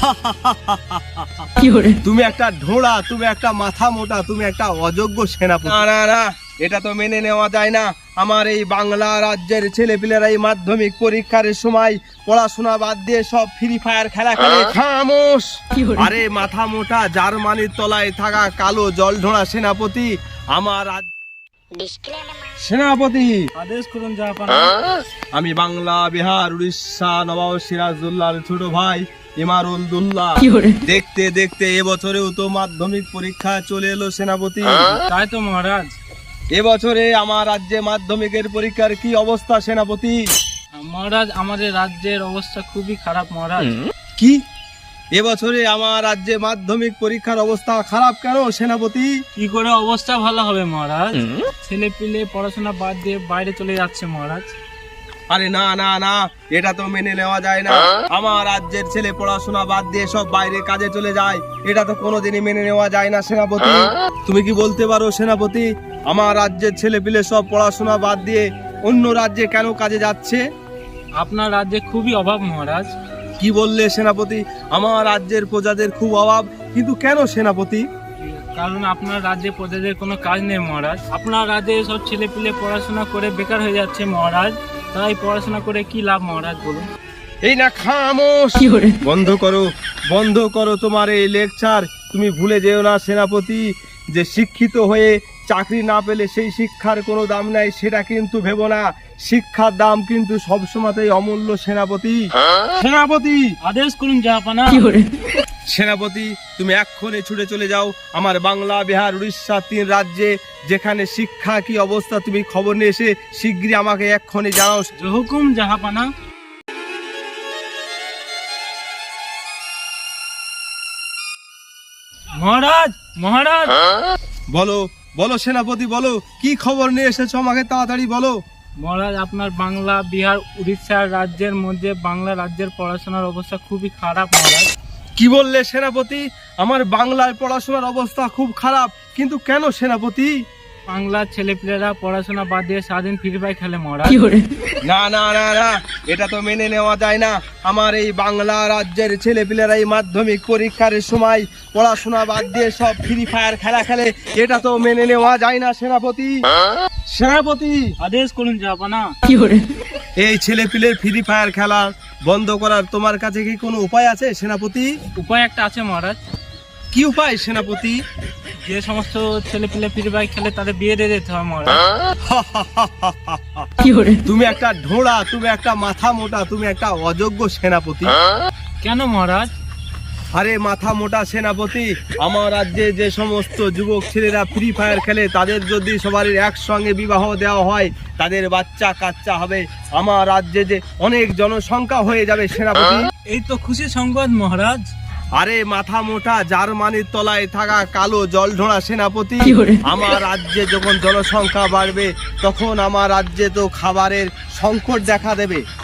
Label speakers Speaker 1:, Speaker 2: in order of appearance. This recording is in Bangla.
Speaker 1: তুমি একটা ঢোড়া, তুমি একটা মাথা মোটা, তুমি একটা অযোগ্য সেনাপতি। না না না, এটা তো মেনে নেওয়া যায় না। আমার এই বাংলা রাজ্যের ছেলেপিলেরা এই মাধ্যমিক পরীক্ষার সময় পড়াশোনা বাদ দিয়ে সব ফ্রি ফায়ার খেলা খেলে। খামোশ! আরে মাথা মোটা জার্মানির তলায় থাকা কালো জলঢোড়া সেনাপতি, আমার সেনাপতি
Speaker 2: আদেশ করুন জাহাপানা।
Speaker 1: আমি বাংলা, বিহার, উড়িষ্যা নবাব সিরাজউদ্দৌলার ছোট ভাই ইমারুদ্দৌলা। দেখতে দেখতে এবছরেও তো মাধ্যমিক পরীক্ষা চলে এলো সেনাপতি।
Speaker 2: তাই তো মহারাজ।
Speaker 1: এবছরে আমার রাজ্যে মাধ্যমিকের পরীক্ষার কি অবস্থা সেনাপতি?
Speaker 2: মহারাজ, আমাদের রাজ্যের অবস্থা খুবই খারাপ মহারাজ।
Speaker 1: কি এবছরে আমার রাজ্যে মাধ্যমিক পরীক্ষার অবস্থা খারাপ কেন সেনাপতি?
Speaker 2: কি করে অবস্থা ভালো হবে মহারাজ? ছেলে পিলে পড়াশোনা বাদ দিয়ে বাইরে চলে যাচ্ছে মহারাজ।
Speaker 1: আরে না না না, এটা তো মেনে নেওয়া যায় না। আমার রাজ্যের ছেলে পড়াশোনা বাদ দিয়ে সব বাইরে কাজে চলে যায়, এটা তো কোনোদিনই মেনে নেওয়া যায় না সেনাপতি। তুমি কি বলতে পারো সেনাপতি, আমার রাজ্যের ছেলে পিলে সব পড়াশোনা বাদ দিয়ে অন্য রাজ্যে কেন কাজে যাচ্ছে?
Speaker 2: আপনার রাজ্যে খুবই অভাব মহারাজ।
Speaker 1: কি বললে সেনাপতি? আমার রাজ্যের প্রজাদের খুব অভাব, কিন্তু কেন সেনাপতি?
Speaker 2: কারণ আপনার রাজ্যে প্রজাদের কোনো কাজ নেই মহারাজ। আপনার রাজ্যে সব ছেলে পিলে পড়াশোনা করে বেকার হয়ে যাচ্ছে মহারাজ। তাই পড়াশোনা করে কি লাভ মহারাজ বলুন?
Speaker 1: এই না, খামোশ! বন্ধ করো, বন্ধ করো তোমার এই লেকচার। তুমি ভুলে যেও না সেনাপতি, যে শিক্ষিত হয়ে চাকরি না পেলে সেই শিক্ষার কোনো দাম নাই, সেটা কিন্তু ভেবো না। শিক্ষার দাম কিন্তু সবসময়তেই অমূল্য সেনাপতি। সেনাপতি
Speaker 2: আদেশ করুন জাহাপানা।
Speaker 1: সেনাপতি, তুমি এক্ষুনি ছুটে চলে যাও আমার বাংলা, বিহার, উড়িষ্যা 3 রাজ্যে, যেখানে শিক্ষা কি অবস্থা তুমি খবর নিয়ে এসে শীঘ্রই আমাকে এক্ষুনি জানাও।
Speaker 2: হুকুম জাহাপানা। মহারাজ, মহারাজ।
Speaker 1: বলো বলো সেনাপতি, বলো কি খবর নিয়ে এসেছো আমাকে, তাড়াতাড়ি বলো।
Speaker 2: মহারাজ, আপনার বাংলা, বিহার, উড়িষ্যা রাজ্যের মধ্যে বাংলা রাজ্যের পড়াশোনার অবস্থা খুবই খারাপ মহারাজ।
Speaker 1: কি বললে সেনাপতি? আমার বাংলায় পড়াশোনার অবস্থা খুব খারাপ, কিন্তু কেন সেনাপতি?
Speaker 2: বাংলার ছেলেপিলেরা পড়াশোনা বাদ দিয়ে সারাদিন ফ্রি ফায়ার খেলে মহারাজ।
Speaker 1: না না না না, এটা তো মেনে নেওয়া যায় না। আমার এই বাংলা রাজ্যের ছেলেপিলেরা এই মাধ্যমিক পরীক্ষার সময় পড়াশোনা বাদ দিয়ে সব ফ্রি ফায়ার খেলা খেলে, এটা তো মেনে নেওয়া যায় না সেনাপতি। সেনাপতি
Speaker 2: আদেশ করুন জাহাপানা।
Speaker 1: এই ছেলেপিলের ফ্রি ফায়ার খেলা বন্ধ করার তোমার কাছে কি কোনো উপায় আছে সেনাপতি?
Speaker 2: উপায় একটা আছে মহারাজ।
Speaker 1: কি উপায় সেনাপতি?
Speaker 2: যে সমস্ত ছেলে পিলে ফ্রি ফায়ার খেলে তাদের বিয়ে দিয়ে দিতে হয় মহারাজ।
Speaker 1: তুমি একটা ঢোড়া, তুমি একটা মাথা মোটা, তুমি একটা অযোগ্য সেনাপতি।
Speaker 2: কেন মহারাজ?
Speaker 1: আরে মাথা মোটা সেনাপতি, আমার রাজ্যে যে সমস্ত যুবক ছেলেরা ফ্রি ফায়ার খেলে তাদের যদি সবারই একসঙ্গে বিবাহ দেওয়া হয়, তাদের বাচ্চা কাচ্চা হবে, আমার রাজ্যে যে অনেক জনসংখ্যা হয়ে যাবে সেনাপতি।
Speaker 2: এই তো খুশি সংবাদ মহারাজ।
Speaker 1: আরে মাথা মোটা জার্মানির তলায় থাকা কালো জলঢোড়া সেনাপতি, আমার রাজ্যে যখন জনসংখ্যা বাড়বে তখন আমার রাজ্যে তো খাবারের সংকট দেখা দেবে।